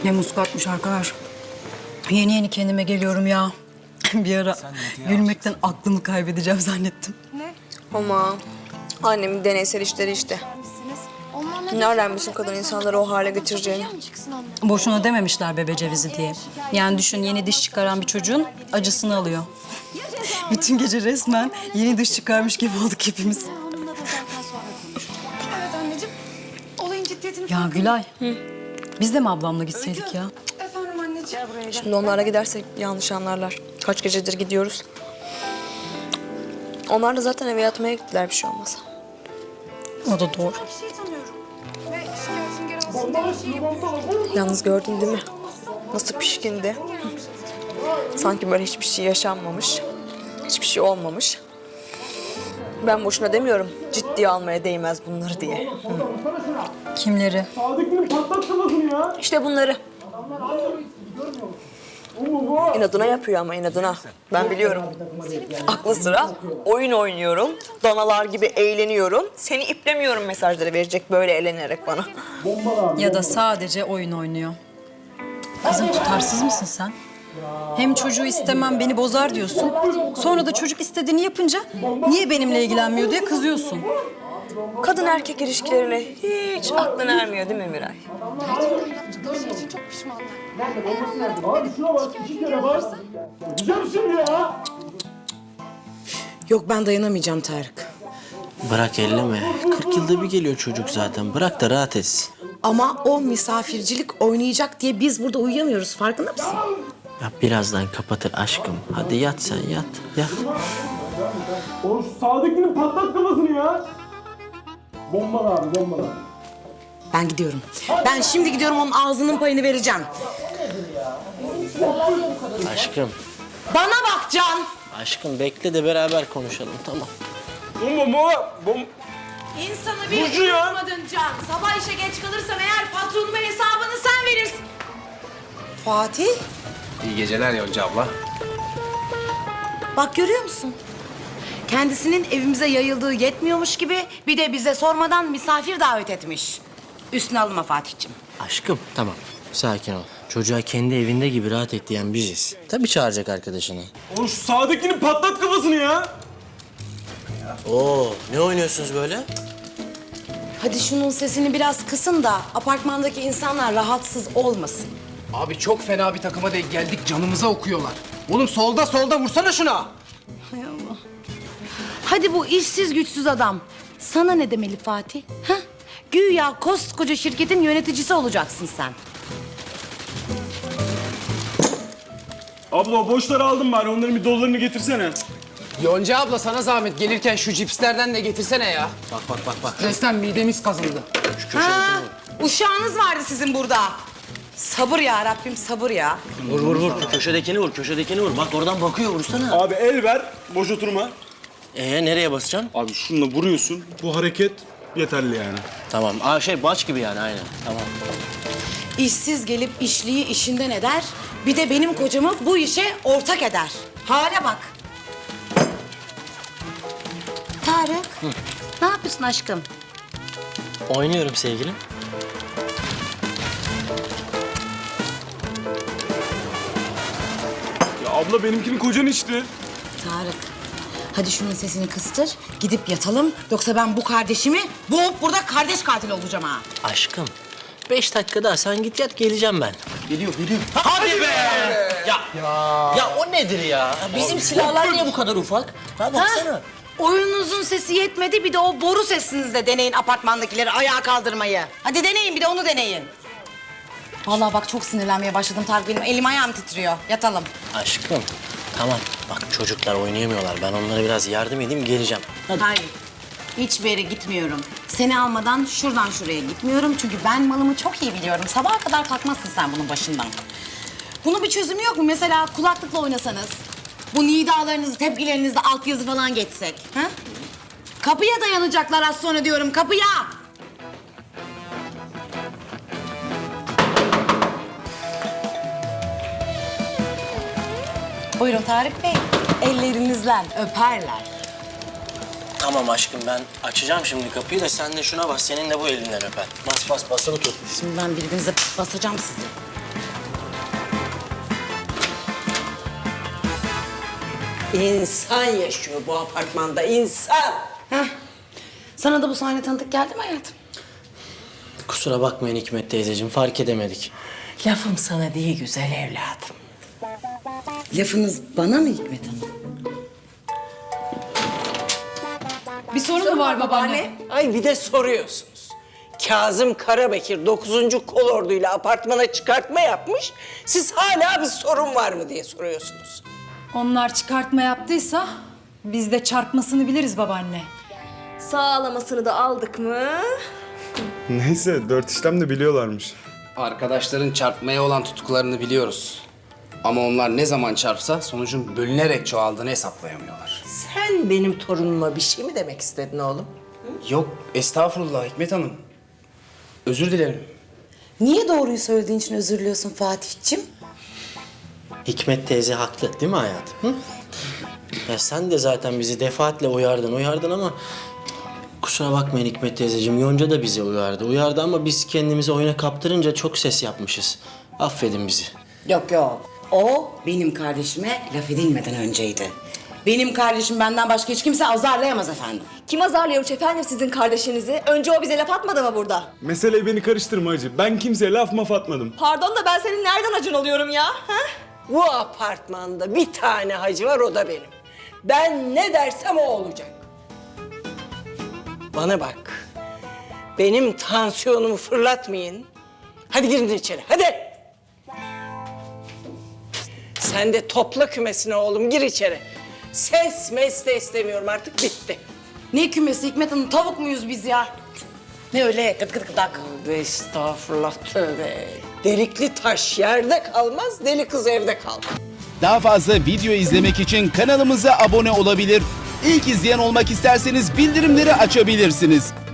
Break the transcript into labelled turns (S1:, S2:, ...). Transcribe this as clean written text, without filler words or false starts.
S1: Ne muskatmış arkadaş. Yeni yeni kendime geliyorum ya. Bir ara gülmekten aklımı kaybedeceğim zannettim.
S2: Ama annemin deneysel işleri işte. Nereden bilsin kadın insanları o hale getireceğini?
S1: Boşuna dememişler bebe cevizi diye. Yani düşün, yeni diş çıkaran bir çocuğun acısını alıyor. Bütün gece resmen yeni diş çıkarmış gibi olduk hepimiz.
S3: Evet anneciğim. Olayın ciddiyetini
S1: Ya Gülay, biz de mi ablamla gitseydik ya?
S3: Efendim anneciğim.
S2: Şimdi onlara gidersek yanlış anlarlar. Kaç gecedir gidiyoruz. Onlar da zaten eve yatmaya gittiler, bir şey olmaz.
S1: O da doğru.
S3: Bir şey tanıyorum. Ve şikayetim geri alsın diye bir şey yapıyorum.
S2: Yalnız gördün değil mi? Nasıl pişkindi. Sanki böyle hiçbir şey yaşanmamış. Hiçbir şey olmamış. Ben boşuna demiyorum. Ciddiye almaya değmez bunları diye.
S1: Kimleri?
S4: Sadık'ın patlat kafasını ya.
S2: İşte bunları. İnadına yapıyor ama inadına. Ben biliyorum. Aklı sıra oyun oynuyorum. Danalar gibi eğleniyorum. Seni iplemiyorum mesajları verecek böyle eğlenerek bana.
S1: Ya da sadece oyun oynuyor. Kızım, tutarsız mısın sen? Hem çocuğu istemem beni bozar diyorsun. Sonra da çocuk istediğini yapınca niye benimle ilgilenmiyor diye kızıyorsun.
S2: Kadın erkek ilişkilerine hiç aklın ermiyor değil mi Miray?
S3: Yaptıkları şey için çok pişmanlar.
S4: Abi şuna bak, 2 kere bak. Gideceğim şimdi ya.
S5: Yok, ben dayanamayacağım Tarık.
S6: Bırak elleme. 40 yılda bir geliyor çocuk zaten. Bırak da rahat etsin.
S5: Ama o misafircilik oynayacak diye biz burada uyuyamıyoruz. Farkında mısın?
S6: Ya birazdan kapatır aşkım. Hadi yat sen yat. Yat.
S4: Oğlum şu Sadık'ın patlat kafasını ya. Bombalı abi, bombalı.
S5: Ben gidiyorum. Ben şimdi gidiyorum, onun ağzının payını vereceğim.
S6: Aşkım.
S5: Bana bak Can.
S6: Aşkım bekle de beraber konuşalım tamam.
S5: İnsanı bir
S4: Burcu ya.
S5: unutmadın Can. Sabah işe geç kalırsam eğer patronuma hesabını sen verirsin. Fatih,
S7: İyi geceler Yonca abla.
S5: bak görüyor musun? Kendisinin evimize yayıldığı yetmiyormuş gibi bir de bize sormadan misafir davet etmiş. Üstüne alınma Fatih'ciğim.
S6: Aşkım tamam. Sakin ol. Çocuğa kendi evinde gibi rahat et diyen biziz. Tabii çağıracak arkadaşını.
S4: Oğlum şu Sadık'ın patlat kafasını ya.
S6: Oo ne oynuyorsunuz böyle?
S5: Hadi şunun sesini biraz kısın da apartmandaki insanlar rahatsız olmasın.
S7: Abi çok fena bir takıma denk geldik, canımıza okuyorlar. Oğlum solda vursana şuna.
S5: Hay Allah. Hadi bu işsiz güçsüz adam. Sana ne demeli Fatih? Ha? Güya koskoca şirketin yöneticisi olacaksın sen.
S4: Abla o boşları aldım bari, onların bir dolarını getirsene.
S7: Yonca abla sana zahmet, gelirken şu cipslerden de getirsene ya.
S6: Bak.
S7: Stresten midemiz kazındı.
S5: Ha, uşağınız vardı sizin burada. Sabır ya Rabbim, sabır ya.
S6: Vur. Köşedekini vur. Bak oradan bakıyor vursana.
S4: Abi el ver, boş oturma.
S6: Nereye basacaksın?
S4: Abi şununla vuruyorsun, bu hareket yeterli yani.
S6: Tamam. Baş gibi yani aynen. Tamam.
S5: İşsiz gelip işliği işinden eder. Bir de benim kocamı bu işe ortak eder. Hale bak. Tarık, ne yapıyorsun aşkım?
S6: Oynuyorum sevgilim.
S4: Ya abla benimkini kocan içti.
S5: Tarık, hadi şunun sesini kıstır, gidip yatalım. Yoksa ben bu kardeşimi boğup burada kardeş katili olacağım ha.
S6: Aşkım. 5 dakika daha sen git yat geleceğim ben. Geliyor. Hadi be! Ya o nedir ya? Bizim silahlar niye bu kadar ufak? Ha baksana.
S5: Oyununuzun sesi yetmedi, bir de o boru sesinizle deneyin apartmandakileri ayağa kaldırmayı. Hadi deneyin, bir de onu deneyin. Vallahi bak çok sinirlenmeye başladım Tarık, benim elim ayağım titriyor. Yatalım.
S6: Aşkım. Tamam. Bak çocuklar oynayamıyorlar. Ben onlara biraz yardım edeyim geleceğim. Hadi.
S5: Hayır, hiçbir yere gitmiyorum. Seni almadan şuradan şuraya gitmiyorum. Çünkü ben malımı çok iyi biliyorum. Sabaha kadar kalkmazsın sen bunun başından. Bunun bir çözümü yok mu? Mesela kulaklıkla oynasanız. Bu nidalarınızı, tepkilerinizde altyazı falan geçsek. Ha? Kapıya dayanacaklar az sonra diyorum, kapıya! Buyurun Tarık Bey, ellerinizle öperler.
S6: Tamam aşkım ben açacağım şimdi kapıyı da sen de şuna bas. Senin de bu elinden öper. Bas basılı tut.
S5: Şimdi ben birbirinize basacağım sizi.
S8: İnsan yaşıyor bu apartmanda, insan.
S5: Heh. Sana da bu sahne tanıdık geldi mi hayatım?
S6: Kusura bakmayın Hikmet teyzeciğim, fark edemedik.
S8: Lafım sana değil güzel evladım.
S5: Lafınız bana mı Hikmet Hanım?
S1: Bir sorun mu var babaanne?
S8: Ay bir de soruyorsunuz. Kazım Karabekir 9. Kolordu'yla apartmana çıkartma yapmış. Siz hala bir sorun var mı diye soruyorsunuz.
S1: Onlar çıkartma yaptıysa biz de çarpmasını biliriz babaanne.
S2: Sağlamasını da aldık mı?
S4: Neyse 4 işlem de biliyorlarmış.
S7: Arkadaşların çarpmaya olan tutkularını biliyoruz. Ama onlar ne zaman çarpsa sonucun bölünerek çoğaldığını hesaplayamıyorlar.
S8: Sen benim torunuma bir şey mi demek istedin oğlum?
S7: Yok, estağfurullah Hikmet Hanım. Özür dilerim.
S5: Niye doğruyu söylediğin için özür diliyorsun Fatih'cim?
S6: Hikmet teyze haklı değil mi hayatım? Hı? Ya sen de zaten bizi defaatle uyardın ama... Kusura bakmayın Hikmet teyzeciğim, Yonca da bizi uyardı ama biz kendimizi oyuna kaptırınca çok ses yapmışız. Affedin bizi.
S5: Yok yok. O benim kardeşime laf edilmeden önceydi. Benim kardeşim benden başka hiç kimse azarlayamaz efendim.
S2: Kim azarlıyormuş efendim sizin kardeşinizi? Önce o bize laf atmadı mı burada?
S4: Meseleyi beni karıştırma hacı. Ben kimseye laf maf atmadım.
S2: Pardon da ben senin nereden acın oluyorum ya? Ha?
S8: Bu apartmanda bir tane hacı var, o da benim. Ben ne dersem o olacak. Bana bak. Benim tansiyonumu fırlatmayın. Hadi girin içeri, hadi. Sen de topla kümesine oğlum, gir içeri. Ses mes de istemiyorum artık, bitti.
S5: Ne kümesi Hikmet Hanım, tavuk muyuz biz ya? Ne öyle gıt gıt gıdak.
S8: Tövbe estağfurullah, tövbe. Delikli taş yerde kalmaz, deli kız evde kalmaz.
S9: Daha fazla video izlemek için kanalımıza abone olabilir. İlk izleyen olmak isterseniz bildirimleri açabilirsiniz.